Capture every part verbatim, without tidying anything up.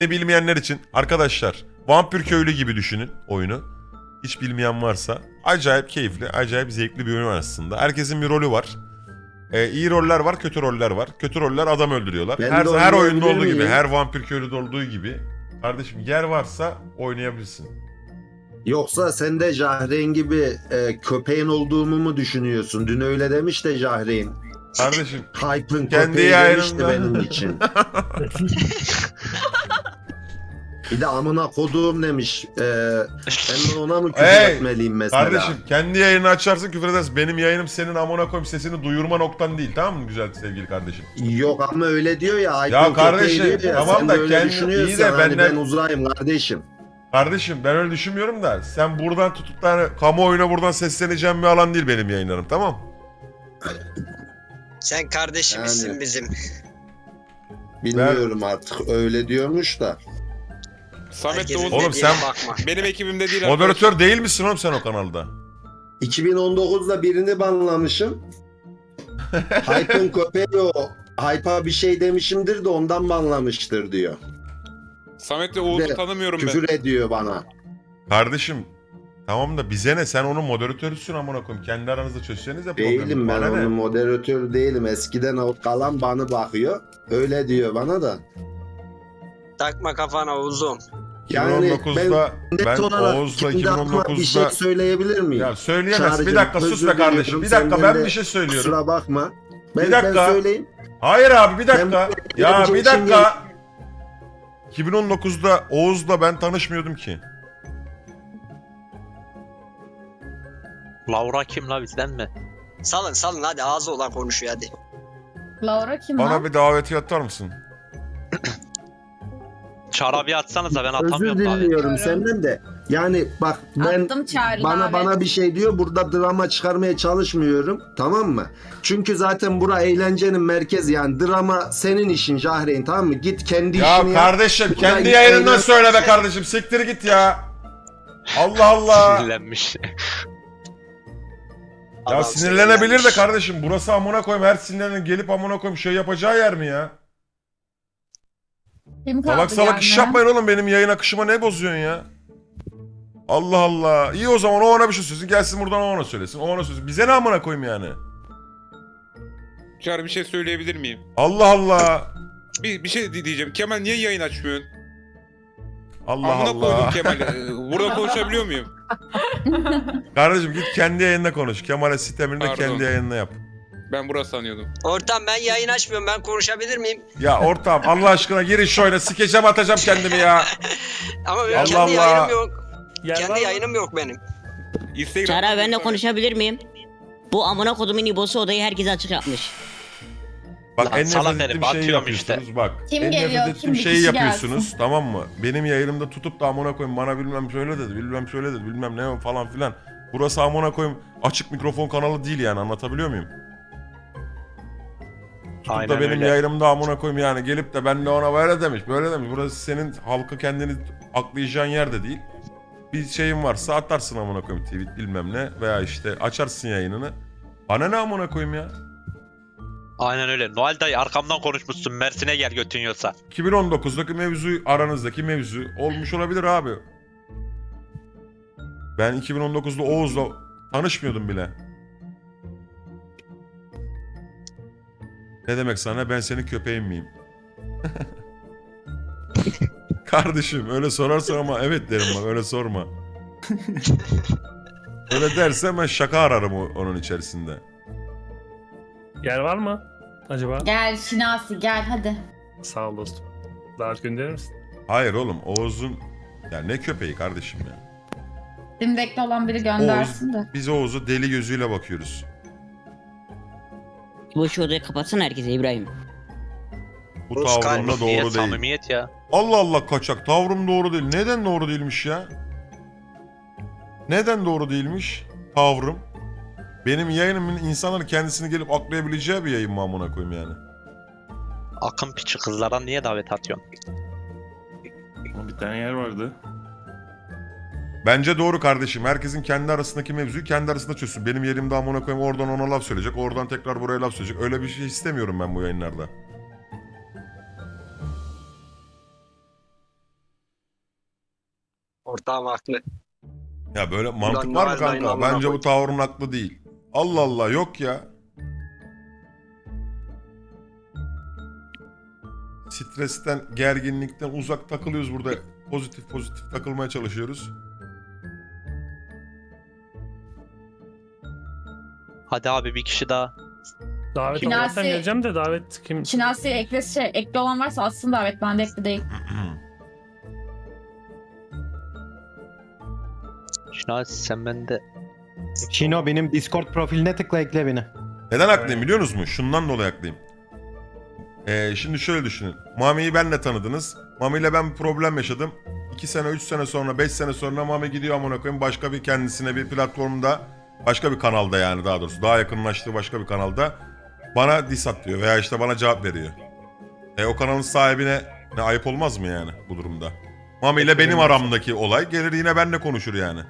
Bilmeyenler için arkadaşlar Vampir Köylü gibi düşünün oyunu. Hiç bilmeyen varsa acayip keyifli, acayip zevkli bir oyun aslında. Herkesin bir rolü var. Ee, iyi roller var, kötü roller var. Kötü roller adam öldürüyorlar. Ben her de her oyunda oynayabilir olduğu gibi, miyim? her Vampir Köylü'de olduğu gibi. Kardeşim yer varsa oynayabilirsin. Yoksa sen de Jahreyn gibi e, köpeğin olduğumu mu düşünüyorsun? Dün öyle demiş de Jahreyn. Kardeşim Hype'ın kendi köpeği demişti yayınında- benim için. Bir de amına koduğum demiş. E, ben de ona mı küfür Hey, etmeliyim mesela? Kardeşim kendi yayını açarsın küfür edersin. Benim yayınım senin amına koyayım sesini duyurma noktan değil, tamam mı güzel sevgili kardeşim? Yok ama öyle diyor ya. Hype'ın Ya kardeşim, köpeği diyor ya. tamam Sen da de öyle kendi- düşünüyorsan iyi de hani benden- ben uzayım kardeşim. Kardeşim ben öyle düşünmüyorum da sen buradan tutup da hani kamuoyuna buradan sesleneceğim bir alan değil benim yayınlarım, tamam? Sen kardeşimizsin Yani. bizim. Bilmiyorum artık öyle diyormuş da. Samet Herkesin Doğulu Oğlum dediğine sen- bakma. benim ekibimde değil. Moderatör değil misin oğlum sen o kanalda? iki bin on dokuzda birini banlamışım. Hype'ın köpeği o. Hype'a bir şey demişimdir de ondan banlamıştır diyor. Samet'le Oğuz'u Ve tanımıyorum Küfür ben. ediyor bana. Kardeşim tamam da bize ne, sen onun moderatörüsün amına koyayım. Kendi aranızda çözseniz de problemi. Değilim ben Bana ne? onun moderatörü değilim. Eskiden o kalan bana bakıyor. Öyle diyor bana da. Takma kafana uzun. Yani iki bin on dokuzda Net ben olarak Oğuz'la kendi aklıma bir şey iki bin on dokuzda söyleyebilir miyim? ya söyleyemezsin. Bir Çağrıcığım, dakika sus özür be kardeşim. diliyorum. Bir dakika Senden ben de bir şey söylüyorum. Kusura bakma. Ben, Bir dakika. ben söyleyeyim. Hayır abi bir dakika. Ben- Ya Önce bir işin dakika. iki bin on dokuzda Oğuz'la ben tanışmıyordum ki. Laura kim la bizden mi? Salın salın hadi ağzı olan konuşuyor hadi. Laura kim Bana lan? bir davetiye atar mısın? Çara bir atsanıza ben Özür atamıyorum tabii. diliyorum senden de. Yani bak ben Attım çağrı bana davet. bana bir şey diyor. Burada drama çıkarmaya çalışmıyorum. Tamam mı? Çünkü zaten bura eğlencenin merkezi yani. Drama senin işin Jahreyn, tamam mı? Git kendi Ya işini yap. kardeşim Burada kendi eğlen- yayınından söyle be kardeşim. Siktir git ya. Allah Allah. Sinirlenmiş. Ya Adam sinirlenebilir de sinirlenmiş. kardeşim. Burası amına koyayım. Her sinirlenen gelip amına koyayım şey yapacağı yer mi ya? Kim kaldı Salak salak iş gelmeyen? yapmayın oğlum. Benim yayın akışıma ne bozuyorsun ya? Allah Allah. İyi o zaman o ona bir şey söylesin. Gelsin buradan o ona söylesin. O ona söylesin. Bize ne amına koyayım yani? Çağrı bir şey söyleyebilir miyim? Allah Allah. Bir, bir şey di- diyeceğim. Kemal niye yayın açmıyorsun? Allah Amına Allah. koydum Kemal'i. Ee, Burada konuşabiliyor muyum? Kardeşim git kendi yayınına konuş. Kemal'e sitemini de Pardon. kendi yayınına yap. Ben burası sanıyordum. Ortam ben yayın açmıyorum ben konuşabilir miyim? Ya ortağım Allah aşkına girin şu oyuna. Sikeceğim atacağım kendimi ya. Ama benim Allah kendi Allah. yayınım yok. kendi yayınım yok benim. Instagram. Çara ben de konuşabilir miyim? Bu amına kodumun ibosu odayı herkese açık yapmış. Bak Lan en salak nefret ettiğim herif, şeyi atıyorum yapıyorsunuz işte. bak. Kim en geliyor, nefret ettiğim kim? Bir şeyi kişi yapıyorsunuz gelsin. tamam mı? Benim yayınımda tutup da amına koyayım bana bilmem şöyle dedi bilmem şöyle dedi bilmem ne falan filan. Burası amına koyayım açık mikrofon kanalı değil yani, anlatabiliyor muyum? Tutup Aynen da benim öyle. yayınımda amına koyayım yani gelip de ben de ona böyle demiş böyle demiş. Burası senin halkı kendini aklayacağın yer de değil. Bir şeyin varsa atarsın amına koyayım tweet bilmem ne veya işte açarsın yayınını. Bana ne amına koyayım ya? Aynen öyle. Noel dayı arkamdan konuşmuşsun. Mersin'e gel götün yiyorsa. iki bin on dokuzdaki mevzu aranızdaki mevzu olmuş olabilir abi. Ben iki bin on dokuzda Oğuz'la tanışmıyordum bile. Ne demek sana, ben senin köpeğin miyim? Kardeşim öyle sorarsan ama evet derim, bak öyle sorma. Öyle derse ben şaka ararım o- onun içerisinde. Yer var mı acaba? Gel Şinasi gel hadi. Sağ ol dostum. Davet gönderir misin? Hayır oğlum Oğuz'un ya ne köpeği kardeşim ya. Dimdekli olan biri göndersin de. Biz Oğuz'u deli gözüyle bakıyoruz. Bu şu odayı kapatsana herkese İbrahim. Bu Oğuz tavrında kalbi, doğru Niyet, değil. samimiyet ya. Allah Allah kaçak. Tavrım doğru değil. Neden doğru değilmiş ya? Neden doğru değilmiş? Tavrım. Benim yayınımın insanların kendisini gelip aklayabileceği bir yayın mı amına koyayım yani? Akın piçi kızlara niye davet atıyorsun? Ama bir tane yer vardı. Bence doğru kardeşim. Herkesin kendi arasındaki mevzuyu kendi arasında çözsün. Benim yerimde amına koyayım oradan ona laf söyleyecek. Oradan tekrar buraya laf söyleyecek. Öyle bir şey istemiyorum ben bu yayınlarda. Ortağım haklı. Ya böyle mantık Ulan var mı Noel dayının kanka? amına Bence bu koy- tavrın haklı değil. Allah Allah yok ya. Stresten, gerginlikten uzak takılıyoruz burada. Pozitif pozitif takılmaya çalışıyoruz. Hadi abi bir kişi daha. Davet Şinasi- olaraktan geleceğim de davet kim? Şinasi'ye ekli, şey, ekli olan varsa aslında davet bende ekli değil. Şinasi sen bende. Şino benim Discord profiline tıkla ekle beni. Neden haklıyım biliyor musunuz? Şundan dolayı haklıyım. Ee, şimdi şöyle düşünün. Mami'yi benle tanıdınız. Mami ile ben bir problem yaşadım. iki sene, üç sene sonra, beş sene sonra Mami gidiyor amına koyayım başka bir kendisine bir platformda, başka bir kanalda yani daha doğrusu daha yakınlaştığı başka bir kanalda bana diss atıyor veya işte bana cevap veriyor. E, o kanalın sahibine ne ayıp olmaz mı yani bu durumda? Mami ile benim aramdaki olay gelir yine benle konuşur yani.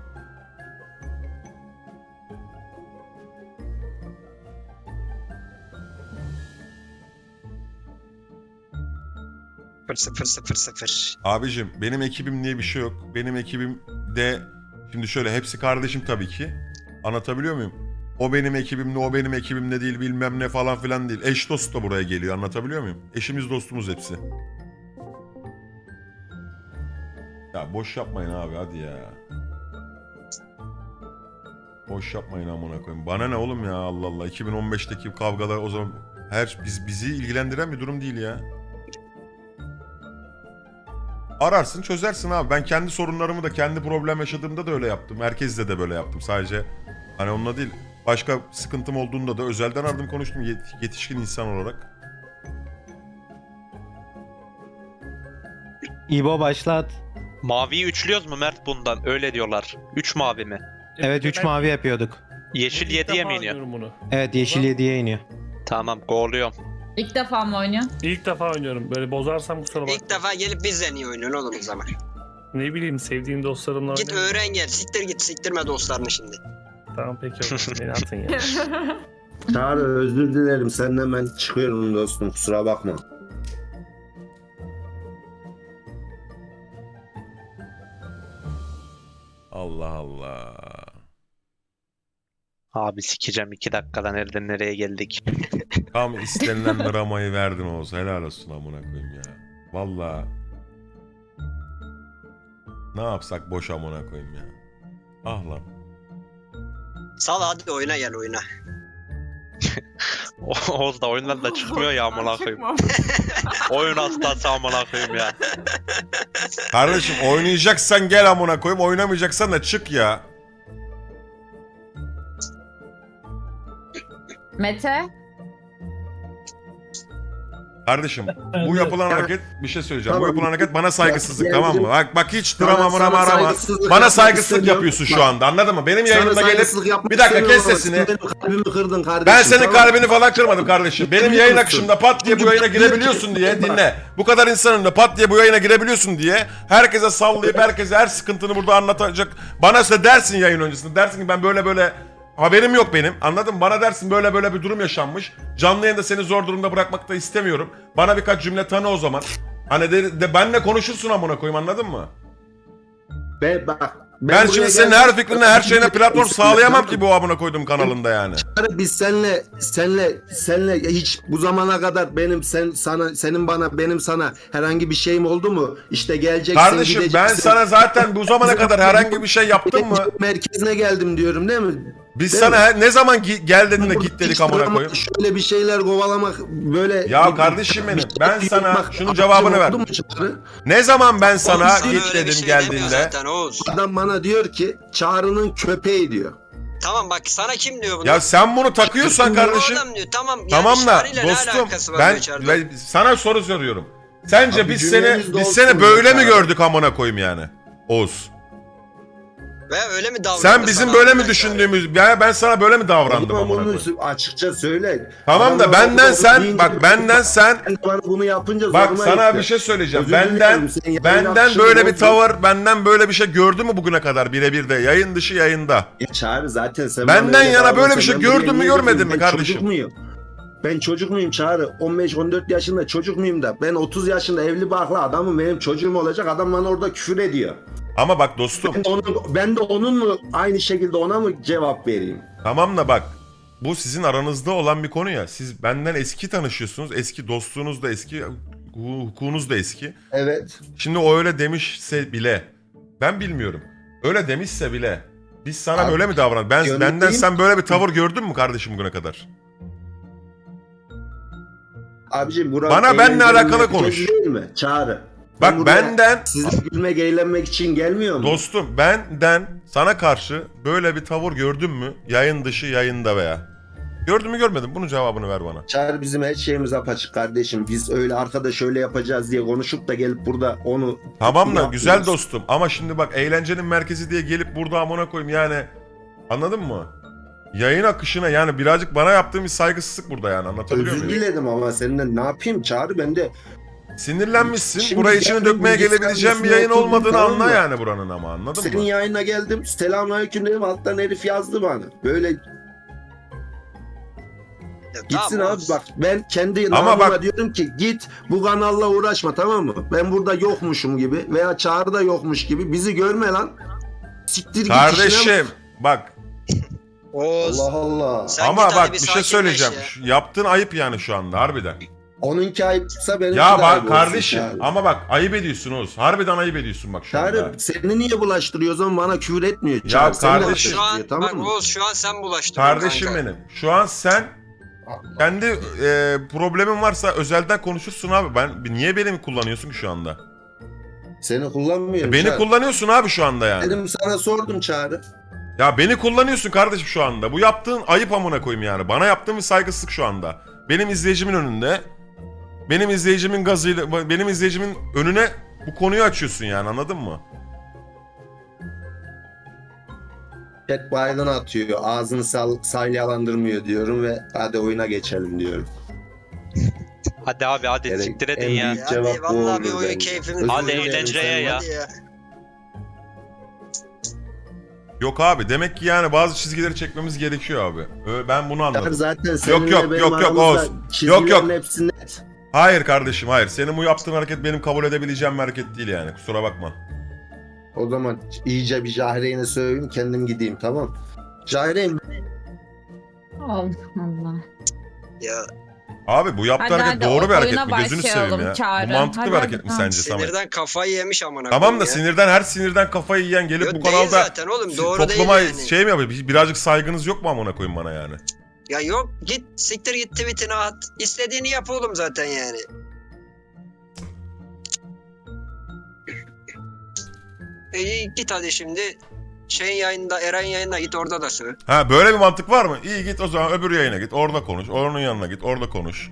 Sıfır sıfır sıfır sıfır. Abicim benim ekibim diye bir şey yok. Benim ekibim de şimdi şöyle hepsi kardeşim tabii ki. Anlatabiliyor muyum? O benim ekibimde, o benim ekibimde değil bilmem ne falan filan değil. Eş dost da buraya geliyor anlatabiliyor muyum? Eşimiz dostumuz hepsi. Ya boş yapmayın abi hadi ya. Boş yapmayın amına koyayım. Bana ne oğlum ya Allah Allah. iki bin on beşteki kavgalar o zaman her biz bizi ilgilendiren bir durum değil ya. Ararsın çözersin abi. Ben kendi sorunlarımı da kendi problem yaşadığımda da öyle yaptım. Herkesle de böyle yaptım. Sadece hani onunla değil. Başka sıkıntım olduğunda da özelden aradım konuştum yet- yetişkin insan olarak. İbo başlat. Maviyi üçlüyoruz mu Mert bundan? Öyle diyorlar. Üç mavi mi? Evet üç mavi yapıyorduk. Yeşil İlk yediye defa mi iniyor? oynuyorum Bunu. Evet yeşil yediye iniyor. Tamam go'luyorum. İlk defa mı oynuyorsun? İlk defa oynuyorum. Böyle bozarsam kusura bakma. İlk defa gelip bizle niye oynuyorsun oğlum o zaman? Ne bileyim sevdiğim dostlarımla Git oynayayım. öğren gel. Siktir git siktirme dostlarını şimdi. Tamam peki o zaman. Beni atın ya. Çağrı özür dilerim senden ben çıkıyorum dostum kusura bakma. Allah Allah. Abi sikeceğim iki dakikada nereden nereye geldik. Tam istenilen dramayı verdin olsa helal olsun amına koyayım ya. Vallahi. Ne yapsak boş amına koyayım ya. Ah lan. Sal hadi oyuna gel oyuna. Oğuz da oyundan da çıkmıyor ya amına koyayım. Oyun hastası amına koyayım ya. Kardeşim oynayacaksan gel amına koyayım. Oynamayacaksan da çık ya. Mete? Kardeşim bu yapılan hareket bir şey söyleyeceğim. Bu Tamam. yapılan hareket bana saygısızlık Ya, tamam mı? yani- Bak bak hiç Sana- drama sana mrama arama. saygısızlık Bana yapmak saygısızlık istemiyorum. yapıyorsun şu Bak. anda anladın mı? Benim Sana yayınıma gelip saygısızlık yapmak bir dakika istemiyorum kes ama sesini. sen benim kalbimi kırdın kardeşim. Ben senin tamam. kalbini falan kırmadım kardeşim. Benim Biliyor yayın musun? akışımda pat diye bu Çünkü yayına diyor ki- girebiliyorsun diye Bak. dinle. Bu kadar insanın da pat diye bu yayına girebiliyorsun diye herkese sallayıp herkese her sıkıntını burada anlatacak. Bana ise dersin yayın öncesinde dersin ki ben böyle böyle haberim yok benim. Anladın mı? Bana dersin böyle böyle bir durum yaşanmış. Canlı yayında seni zor durumda bırakmak da istemiyorum. Bana birkaç cümle tanı o zaman. Hani de, de benle konuşursun amına koyayım anladın mı? Ben, bak, Ben, buraya şimdi senin geldim- her fikrine her şeyine platform sağlayamam ki bu amına koyduğum kanalında yani. Çağrı, biz senle senle senle hiç bu zamana kadar benim sen sana senin bana benim sana herhangi bir şeyim oldu mu? İşte geleceksin Kardeşim ben gideceksin. sana zaten bu zamana kadar herhangi bir şey yaptım mı? Merkezine geldim diyorum değil mi? Biz Değil sana mi? her- ne zaman gi- gel dedin de Burada git dedik hiç amına drama, koyayım. Şöyle bir şeyler kovalamak böyle... Ya kardeşim benim, ben sana Bak, şunun cevabını oldu ver. mu Çağrı? Ne zaman ben sana Oğlum sana git öyle bir dedim şey demiyor geldiğinde. Zaten Oğuz. Adam bana diyor ki Çağrı'nın köpeği diyor. Tamam bak sana kim diyor bunu? Ya sen bunu takıyorsan Bu kardeşim. adam diyor tamam. Yani Tamam da Çağrı'yla ne dostum alakası var ben, bu içeride? ben sana soru soruyorum. Sence Abi biz cümlemiz seni de biz olsun seni böyle ya. mi gördük amına koyayım yani? Oğuz. Ve öyle mi davrandı Sen bizim sana böyle mi arkadaşlar? düşündüğümüz ya ben sana böyle mi davrandım Tamam amına onu koyayım? açıkça söyle. Tamam da Adam benden bana sen deyince- bak benden sen Sen bana bunu yapınca bak zoruma sana gitti. bir şey söyleyeceğim. Özür Benden diliyorum, senin yayın benden akışını böyle bir bozdun. tavır, benden böyle bir şey gördü mü bugüne kadar birebir de yayın dışı yayında? Ya Çağrı zaten sen Benden bana öyle yana böyle bir davransan şey ben gördün buraya mü, niye görmedin geleyim? mi Ben kardeşim? Çocuk muyum? Ben çocuk muyum Çağrı? on beş on dört yaşında çocuk muyum da? Ben otuz yaşında evli barklı adamım benim çocuğum olacak adam bana orada küfür ediyor. Ama bak dostum. Ben de, onu, ben de onun mu aynı şekilde ona mı cevap vereyim? Tamam da bak. Bu sizin aranızda olan bir konu ya. Siz benden eski tanışıyorsunuz. Eski dostluğunuz da eski. hu- Hukukunuz da eski. Evet. Şimdi o öyle demişse bile. Ben bilmiyorum. Öyle demişse bile. Biz sana Abi, böyle mi davran? Ben gönül benden değil- sen böyle bir tavır gördün mü kardeşim bugüne kadar? Abicim burası Bana benle eğlencenin alakalı merkezi konuş. Değil mi? Çağrı. Bak Ben buraya benden Sizle gülmek eğlenmek için gelmiyor mu? dostum benden sana karşı böyle bir tavır gördün mü? Yayın dışı yayında veya. Gördün mü görmedin? Bunun cevabını ver bana. Çağrı bizim her şeyimiz apaçık kardeşim. Biz öyle arkada şöyle yapacağız diye konuşup da gelip burada onu... Tamam da yapmıyoruz. güzel dostum ama şimdi bak eğlencenin merkezi diye gelip burada amına koyayım yani anladın mı? Yayın akışına yani birazcık bana yaptığın bir saygısızlık burada yani anlatabiliyor Özür muyum? diledim ama senden ne yapayım Çağrı, ben de Sinirlenmişsin. Şimdi Burayı içine geldim, dökmeye bilgisayarın gelebileceğim bir üstüne yayın oturdum, olmadığını tamam anla mı? yani buranın ama anladın senin mı? yayına geldim. Selamünaleyküm dedim. Alttan herif yazdı bana. Böyle Ya gitsin tamam, abi bak. Ben kendi Ama namıma bak- diyorum ki git bu kanalla uğraşma, tamam mı? Ben burada yokmuşum gibi veya Çağrı'da yokmuş gibi bizi görme lan. Siktir git işine. Kardeşim bak Oğuz. Allah Allah. Sen ama git hadi bak bir bir şey sakinleş söyleyeceğim. ya. Şu yaptığın ayıp yani şu anda harbiden. Onunki ayıpsa benimki Ya de ayıp bak olsun kardeşim Çağrı. ama bak ayıp ediyorsun Oğuz. Harbiden ayıp ediyorsun bak şu anda. Çağrı seni niye bulaştırıyor o zaman, bana küfür etmiyor. Ya Çağrı, seni de kardeşim- Şu an bulaştırıyor, tamam bak mı? Oğuz şu an sen bulaştırıyorsun Kardeşim kanka. benim. Şu an sen kendi e, problemin varsa özelden konuşursun abi. Ben niye beni kullanıyorsun ki şu anda? Seni kullanmıyorum. Beni Çağrı. kullanıyorsun abi şu anda yani. Dedim sana sordum Çağrı. Ya beni kullanıyorsun kardeşim şu anda. Bu yaptığın ayıp amına koyayım yani. Bana yaptığın bir saygısızlık şu anda. Benim izleyicimin önünde. Benim izleyicimin gazıyla, benim izleyicimin önüne bu konuyu açıyorsun yani anladın mı? Chat Biden atıyor. Ağzını sal salyalandırmıyor diyorum ve hadi oyuna geçelim diyorum. Hadi abi hadi Gerek- siktir edin en ya. büyük Hadi cevap bu vallahi bir oldu oyun bence. keyfimiz. Özür Hadi dilerim eğlenceye senden. ya. Hadi ya. Yok abi demek ki yani bazı çizgileri çekmemiz gerekiyor abi. Ö- Ben bunu Çağrı anladım. zaten seninle yok, benim yok, yok, aramızda Oğuz. çizgilerin Yok, yok. hepsi net. Hayır kardeşim hayır. Senin bu yaptığın hareket benim kabul edebileceğim bir hareket değil yani. Kusura bakma. O zaman iyice bir Jahreyn'e söyleyeyim, kendim gideyim, tamam. Jahreyn, Allah Allah. Ya Abi bu yaptığı Hadi hareket hadi, doğru bir oyuna hareket mi? Gözünü başlayalım, seveyim ya. Çağrı. Bu mantıklı Hadi, bir hareket hadi, mi tamam. sence Samet? sinirden kafayı yemiş amına Tamam koyayım da ya. sinirden her sinirden kafayı yiyen gelip Yo, bu değil kanalda zaten oğlum, doğru topluma değil yani. şey mi yapıyor? Bir- Birazcık saygınız yok mu amına koyayım bana yani? Ya yok git siktir git tweetini at. İstediğini yap oğlum zaten yani. E, iyi, git hadi şimdi. Şeyin yayında, Eren yayında git orada da söyle. Ha böyle bir mantık var mı? İyi git o zaman öbür yayına git. Orada konuş. Onun yanına git. Orada konuş.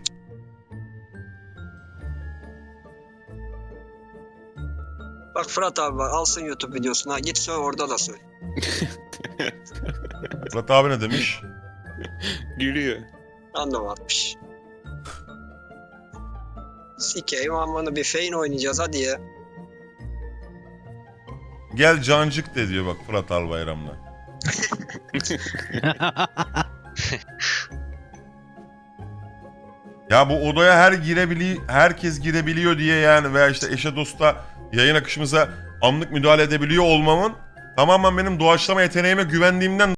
Bak Fırat abi var, alsın YouTube videosuna git söyle orada da söyle. Fırat abi ne demiş? Gülüyor. Random atmış. Sikeyim amanı bir feyn oynayacağız hadi ya. Gel cancık de diyor bak Fırat Albayram'la. Ya bu odaya her girebili herkes girebiliyor diye yani veya işte eşe dosta yayın akışımıza anlık müdahale edebiliyor olmamın tamamen benim doğaçlama yeteneğime güvendiğimden